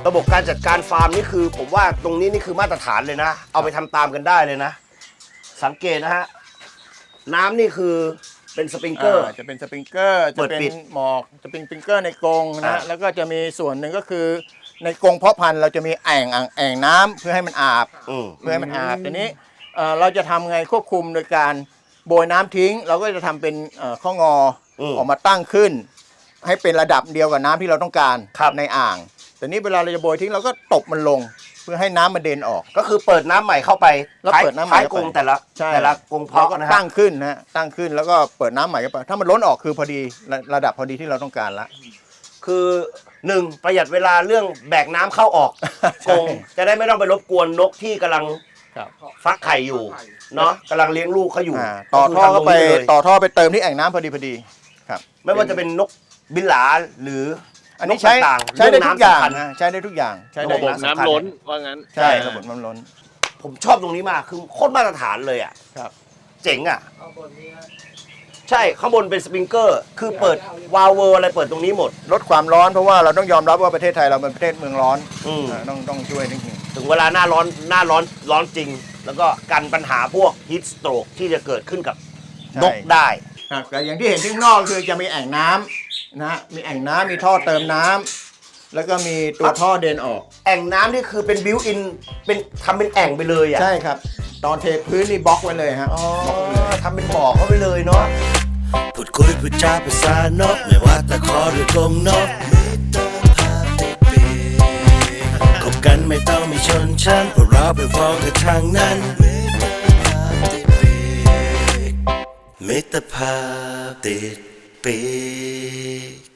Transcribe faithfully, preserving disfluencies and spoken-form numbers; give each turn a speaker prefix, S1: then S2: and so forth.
S1: ระบบการจัดการฟาร์มนี่คือผมว่าตรงนี้นี่คือมาตรฐานเลยนะเอาไปทำตามกันได้เลยนะสังเกตนะฮะน้ำนี่คือเป็นสปริงเกอร์
S2: จะเป็นสปริงเกอร์จะเป็นหมอกจะเป็นสปริงเกอร์ในกรงนะแล้วก็จะมีส่วนหนึ่งก็คือในกรงเพาะพันธุ์เราจะมีแอ่งแอ่งน้ำเพื่อให้มันอาบเพื่อให้มันอาบทีนี้เราจะทำไงควบคุมโดยการโบยน้ำทิ้งเราก็จะทำเป็นข้องอออกมาตั้งขึ้นให้เป็นระดับเดียวกับน้ำที่เราต้องการในอ่างแต่นี้เวลาเราจะโบยทิ้งเราก็ตบมันลงเพื่อให้น้ำมันเด่นออก
S1: ก็คือเปิดน้ำใหม่เข้าไป
S2: แล้วเปิดน้ำใหม่
S1: กรงแต่ละแต่ละกรงเพาะนะฮะ
S2: ตั้งขึ้นนะตั้งขึ้นแล้วก็เปิดน้ำใหม่เข้าไปถ้ามันล้นออกคือพอดีระดับพอดีที่เราต้องการละ
S1: คือหนึ่งประหยัดเวลาเรื่องแบกน้ำเข้าออกกรงจะได้ไม่ต้องไปรบกวนนกที่กำลังฟักไข่อยู่เนาะกำลังเลี้ยงลูกเขาอยู่
S2: ต่อท่อก็ไปต่อท่อไปเติมที่แอ่งน้ำพอดีพอดีครับ
S1: ไม่ว่าจะเป็นนกบินหลาหรือ
S2: อันนี้ใช้ใช้ได้ทุกอย่างนะใช้ได้ทุกอย่างใช้ได้
S3: ระบบน้ำล้นว่างั้น
S2: ใช่ระบบน้ำล้น
S1: ผมชอบตรงนี้มากคือโคตรมาตรฐานเลยอ่ะ
S2: ครับ
S1: เจ๋งอ่ะใช่ข้างบนเป็นสปริงเกอร์คือเปิดวาล์วเวอร์อะไรเปิดตรงนี้หมด
S2: ลดความร้อนเพราะว่าเราต้องยอมรับว่าประเทศไทยเราเป็นประเทศเมืองร้อนต้องต้องช่วยนิดนึง
S1: ถึงเวลาหน้าร้อนหน้าร้อนร้อนจริงแล้วก็กันปัญหาพวกฮีทสโตรกที่จะเกิดขึ้นกับนกได้
S2: แต่อย่างที่เห็นที่ข้างนอกคือจะมีแอ่งน้ำนะมีแอ่งน้ำมีท่อเติมน้ำแล้วก็มีตัวท่อเดินออก
S1: แอ่งน้ำนี่คือเป็นบิวอินเป็นทำเป็นแอ่งไปเลยอ่ะ
S2: ใช่ครับตอนเทพื้นนี่บล็อกไว้เลยฮะ
S1: อ๋อทำเป็นบ่อเข้าไปเลยเนาะ
S4: พูดคุยพูดจาภาษานกไม่ว่าตะขอหรือกรงนกคบกันไม่ต้องมีชนชั้นเพราะเราไปฟ้องกันทางนั้นมิตรภาพติดปีก